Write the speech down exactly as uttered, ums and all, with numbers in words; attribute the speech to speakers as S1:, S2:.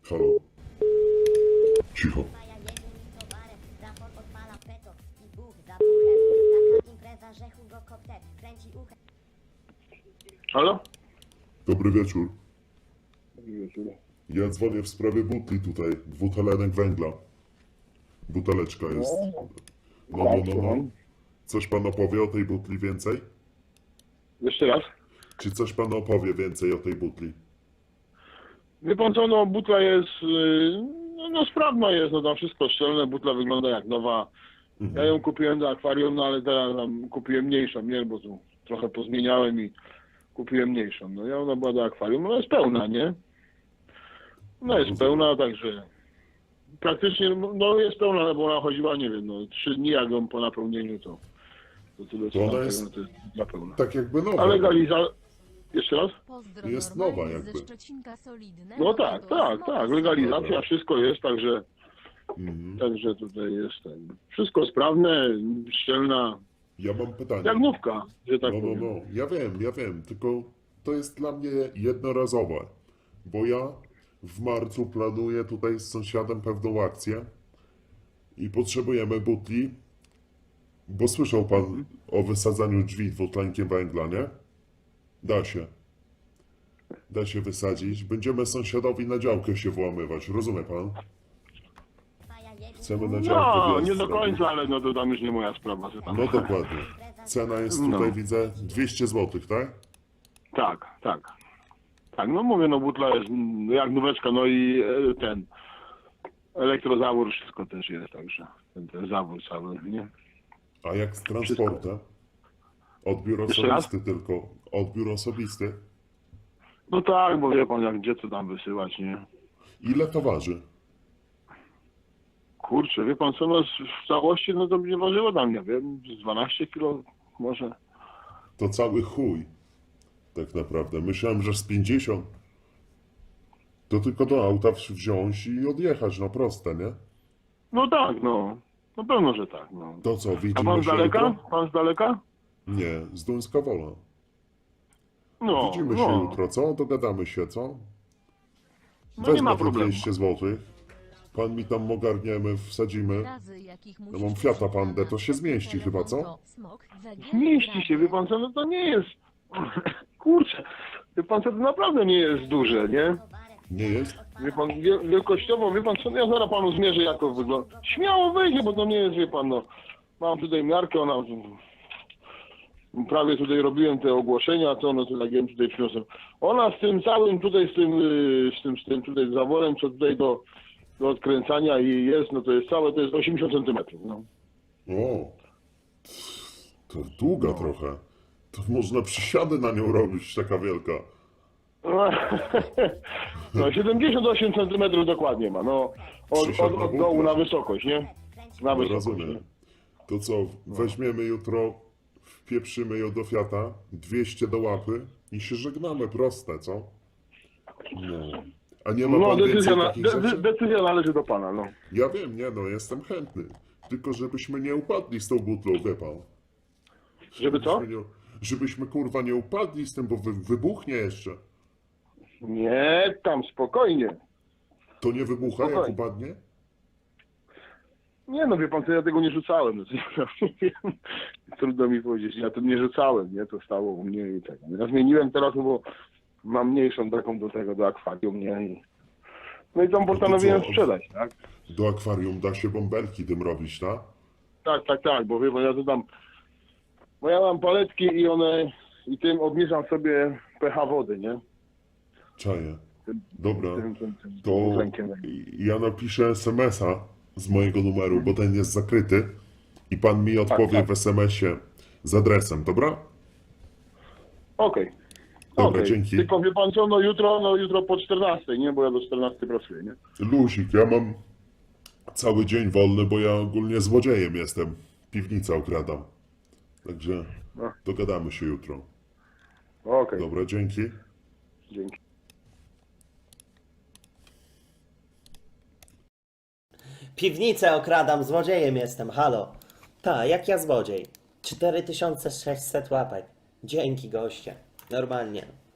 S1: Halo. Cicho.
S2: Halo?
S1: Dobry wieczór.
S2: Dobry wieczór.
S1: Ja dzwonię w sprawie butli tutaj. Dwutlenek węgla. Buteleczka jest. No, no, no, no. Coś pan opowie o tej butli więcej?
S2: Jeszcze raz.
S1: Czy coś pan opowie więcej o tej butli?
S2: Wie pan co, no butla jest, yy, no, no sprawna jest, no tam wszystko szczelne, butla wygląda jak nowa. Ja ją kupiłem do akwarium, no ale teraz tam kupiłem mniejszą, nie, bo tu trochę pozmieniałem i kupiłem mniejszą. No ja ona była do akwarium, no jest pełna, nie? No jest pełna, także praktycznie, no jest pełna, bo ona chodziła, nie wiem, no trzy dni jak ją po napełnieniu, to, to tyle co
S1: To ona
S2: tam
S1: jest-
S2: tego, to jest dla pełna.
S1: Tak jakby nowa.
S2: Ale legaliza... Jeszcze raz?
S3: Pozdro
S1: Jest
S3: normalnie
S1: nowa jakby.
S3: ze Szczecinka solidne.
S2: No tak,
S3: to
S2: tak,
S3: jest
S2: tak,
S3: nowa
S2: legalizacja,
S1: Dobra.
S2: wszystko jest, także,
S1: Mhm.
S2: także tutaj jest ten, wszystko sprawne, szczelna,
S1: Ja mam pytanie.
S2: jak nówka, że tak
S1: No, no,
S2: powiem.
S1: no. Ja wiem, ja wiem. Tylko to jest dla mnie jednorazowe. Bo ja w marcu planuję tutaj z sąsiadem pewną akcję i potrzebujemy butli, bo słyszał pan o wysadzaniu drzwi dwutlenkiem węgla, nie? Da się. Da się wysadzić. Będziemy sąsiadowi na działkę się włamywać, rozumie pan? Chcemy na działkę
S2: No,
S1: wjazd
S2: nie do
S1: zrobić.
S2: końca, ale no to tam już nie moja sprawa, że tam.
S1: No dokładnie. Cena jest tutaj,
S2: No.
S1: widzę, dwieście złotych, tak?
S2: Tak, tak. Tak, no mówię, no butla jest mm, jak nóweczka, no i e, ten elektrozawór, wszystko też jest, także ten, ten zawór cały, nie?
S1: A jak z transportem? Odbiór
S2: Jeszcze raz?
S1: osobisty tylko. Odbiór osobisty.
S2: No tak, bo wie pan, jak gdzie co tam wysyłać, nie?
S1: Ile to waży?
S2: Kurczę, wie pan co, no z- w całości, no to nie ważyło tam, nie wiem, z dwanaście kilo może.
S1: To cały chuj. Tak naprawdę. Myślałem, że z pięćdziesiąt. To tylko do auta wsi- wziąć i odjechać, no proste, nie?
S2: No tak, no. No pewno, że tak, no.
S1: To co,
S2: A
S1: widzimy
S2: pan z
S1: się
S2: daleka?
S1: jutro?
S2: Pan z daleka?
S1: Nie, z Duńska Wola.
S2: No,
S1: Widzimy
S2: no.
S1: się jutro, co? Dogadamy się, co?
S2: No nie ma
S1: te
S2: problemu.
S1: dwieście złotych. Pan mi tam ogarniemy, wsadzimy.
S3: razy, jakich
S1: Ja
S3: musisz
S1: mam Fiata
S3: użyć
S1: Pandę,
S3: na
S1: to się zmieści
S3: telefon,
S1: chyba, co?
S3: to smok, węgiel,
S2: Zmieści się, wie pan co, no to nie jest... Kurczę, wie pan co, to naprawdę nie jest duże, nie?
S1: Nie jest?
S2: Wie pan, wie- wielkościowo, wie pan co, no ja zaraz panu zmierzę, jak to wygląda. Śmiało wejdzie, bo to nie jest, wie pan, no. Mam tutaj miarkę, ona... Prawie tutaj robiłem te ogłoszenia, to no to jak ją tutaj przyniosłem. Ona z tym całym tutaj, z tym, yy, z tym, z tym tutaj zaworem, co tutaj do, do odkręcania i jest, no to jest całe, to jest osiemdziesiąt centymetrów, no.
S1: O, to długa trochę. To można przysiady na nią robić, taka wielka.
S2: No siedemdziesiąt osiem centymetrów dokładnie ma, no. Od, od, od dołu na wysokość, nie? Na
S1: No,
S2: wysokość.
S1: rozumiem.
S2: Nie?
S1: To co, weźmiemy jutro, wpieprzymy ją do Fiata, dwieście do łapy i się żegnamy, proste, co? No. A nie ma
S2: No
S1: pan
S2: decyzja,
S1: więcej
S2: na,
S1: takich
S2: de,
S1: rzeczy?
S2: de, decyzja należy do pana, no.
S1: Ja wiem, nie no, jestem chętny. Tylko żebyśmy nie upadli z tą butlą, wie pan.
S2: Żeby co?
S1: Żebyśmy, nie, żebyśmy kurwa nie upadli z tym, bo wy, wybuchnie jeszcze.
S2: Nie, tam spokojnie.
S1: To nie wybucha, jak
S2: Spokojnie.
S1: upadnie?
S2: Nie no, wie pan co, ja tego nie rzucałem. No, to ja nie wiem. Trudno mi powiedzieć, ja to nie rzucałem, nie? To stało u mnie i tak. Ja zmieniłem teraz, no bo mam mniejszą taką do tego, do akwarium, nie? I... No i tam postanowiłem
S1: co?
S2: sprzedać, tak?
S1: Do akwarium da się bąbelki tym robić, tak?
S2: Tak, tak, tak, bo wie pan, ja to tam... Bo ja mam paletki i one... I tym obniżam sobie pH wody, nie?
S1: Czaję.
S2: Tym,
S1: Dobra.
S2: tym, tym, tym
S1: To
S2: dwutlenkiem.
S1: ja napiszę es em es a z mojego numeru, bo ten jest zakryty i pan mi odpowie
S2: tak.
S1: w es em esie z adresem, dobra?
S2: Okej.
S1: Dobra,
S2: Okej.
S1: dzięki.
S2: Tylko wie pan co, no jutro, no jutro po czternastej, nie? Bo ja do czternastej pracuję, nie?
S1: Luzik, ja mam cały dzień wolny, bo ja ogólnie złodziejem jestem. Piwnicę okradam. Także
S2: No.
S1: dogadamy się jutro.
S2: Okej,
S1: Dobra, dzięki.
S2: dzięki.
S4: Piwnicę okradam, złodziejem jestem, halo. Ta, jak ja złodziej. cztery tysiące sześćset łapek. Dzięki goście. Normalnie.